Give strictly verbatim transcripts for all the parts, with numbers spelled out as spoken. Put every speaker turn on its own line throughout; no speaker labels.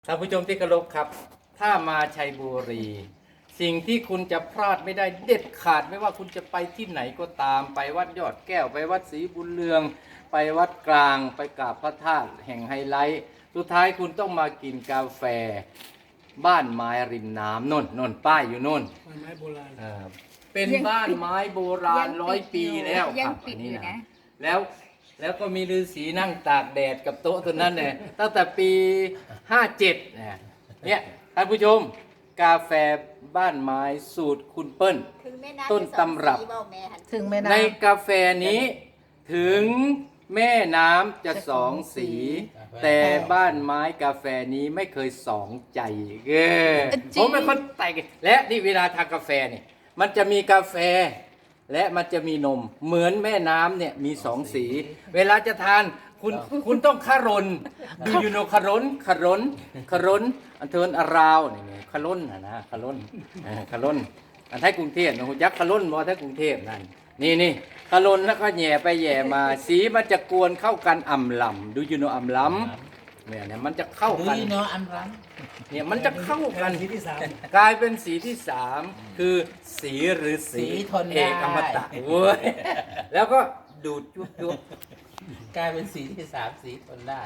ท่านผู้ชมที่เคารพครับถ้ามาชัยบุรีสิ่งที่คุณจะพลาดไม่ได้เด็ดขาดไม่ว่าคุณจะไปที่ไหนก็ตามไปวัดยอดแก้วไปวัดศรีบุญเรืองไปวัดกลางไปกราบพระธาตุแห่งไฮไลท์สุดท้ายคุณต้องมากินกาแฟบ้านไม้ริมน้ำนนนนป้ายอยู่นน
บ้านไม้โบราณ
เออเป็นบ้านไม้โบราณร้อยปีแล้วค
ยั
รั
ง
บ
ปิด
อัน
อ
นี้
ยู่
นะ
นะ
แล้วแล้วก็มีฤาษีนั่งตากแดดกับโต๊ะตัวนั้นเนี่ยตั้งแต่ปีห้าเจ็ดเนี่ยเนี่ยท่านผู้ชมกาแฟบ้านไม้สูตรคุณเปิ้ล
ถึงแม่น้ำ
ต้นตำรับ
ถึงแม่น้
ในกาแฟนี้ถึงแม่น้ำจะสองสี แต่บ้านไม้กาแฟนี้ไม่เคยสองใจเออผมเป็นคนแต่งและนี่เวลาทานกาแฟเนี่ยมันจะมีกาแฟ และมันจะมีนมเหมือนแม่น้ำเนี่ยมีสองสี เวลาจะทานคุณคุณต้องคารนดูยูโนคารนคารนคารนอันเทินอาราวนี่ไงคารนนะนะคารนเออคารนอันไทยกรุงเทพนะคุณยักษ์คารนมอไทยกรุงเทพนั่นนี่นี่คารนแล้วก็แหย่ไปแหย่มาสีมันจะกวนเข้ากันอ่ำลำดูยูโนอ่ำลำเนี่ยเนี่ยมันจะเข้า
ำ
กัน
ดีเนาะอันรัง
เนี่ยมันจะเข้ากัน
สีที่สาม
กลายเป็นสีที่สามคือสีหรือสี
สีทน
เอ
ได้
กอมตะเว้ยแล้วก็ดูดจุ๊บจุ๊บ
กลายเป็นสีที่สามสีทนได้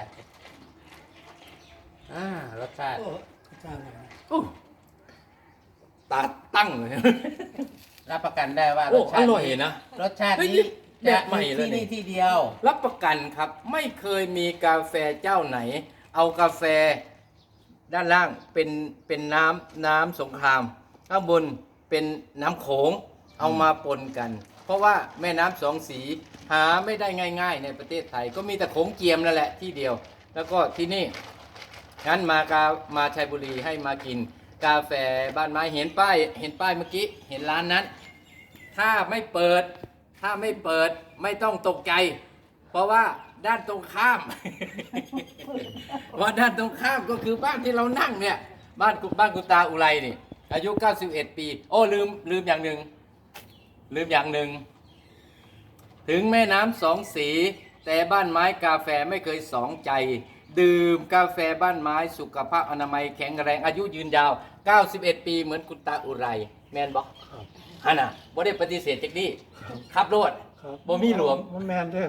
อ่ารสชาติ
โอ้เจ้าหน่อย
โอ้ตาตั้งเลย
รับประกันได้ว่า
โอ้
รสชา
อ
ติ
ร่อยนะ
รสชาติ
เฮ้ย
นี้
แบ
จะ
บใหม่
มี
เลย
ที่
นี่
นี่ที่เดียว
รับประกันครับไม่เคยมีกาแฟเจ้าไหน เอากาแฟด้านล่างเป็นเป็นน้ำน้ำสงครามข้างบนเป็นน้ำโขงเอามาปนกัน เพราะว่าแม่น้ำสองสีหาไม่ได้ง่าย ๆ ในประเทศไทย ก็มีแต่โขงเจียมนั่นแหละที่เดียว แล้วก็ที่นี่งั้นมากามาชัยบุรีให้มากิน กาแฟบ้านไม้เห็นป้ายเห็นป้ายเมื่อกี้เห็นร้านนั้น ถ้าไม่เปิด ถ้าไม่เปิดไม่ต้องตกใจ เพราะว่าด้านตรงข้าม ว่าด้านตรงข้ามก็คือบ้านที่เรานั่งเนี่ยบ้านกุบ้านกุตาอุไรนี่ อายุเก้าสิบเอ็ดปี โอ้ลืมลืมอย่างหนึ่งลืมอย่างหนึ่งถึงแม่น้ำสองสี แต่บ้านไม้กาแฟไม่เคยสองใจ ดื่มกาแฟบ้านไม้สุขภาพอนามัยแข็งแรงอายุยืนยาวเก้าสิบเอ็ดปีเหมือนคุณตาอุไรแมนบอกฮะน่ะบ่ได้ปฏิเสธจากนี้ครับโรดบ่มีหลวม
มันแมนเด้อ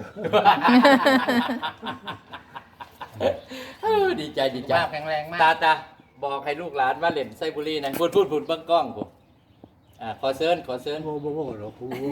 เออดีใจดีใจ
มากแข็งแรงมาก
ตาตาบอกให้ลูกหลานว่าเล่นไซบุรีนะพูดพูดพูดเบิ้งกล้องผมอ่าขอเซิร์นขอเซิร์น
โบโบโบหรอกโบโบ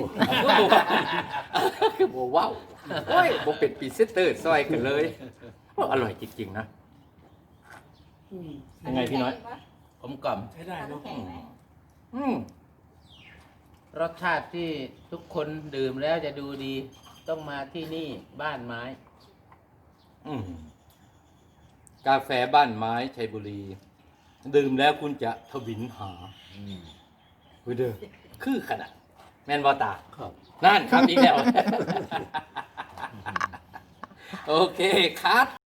คือโบว้าวโอ้ยโบเป็นปีเซตเตอร์ซอยกันเลยโอ้อร่อยจริงๆนะ
อืม
ยังไงพี่น้อย
ผมกล่อม
ใช้ได้เนาะ
อืม
รสชาติที่ทุกคนดื่มแล้วจะดูดี ต้องมาที่นี่บ้านไม้
อืมกาแฟบ้านไม้ชัยบุรี ดื่มแล้วคุณจะทวินหาเว้ยเด้อคือขนาดแมนบอตา
ครับ
นั่นครับอีกแล้ว โอเคครับ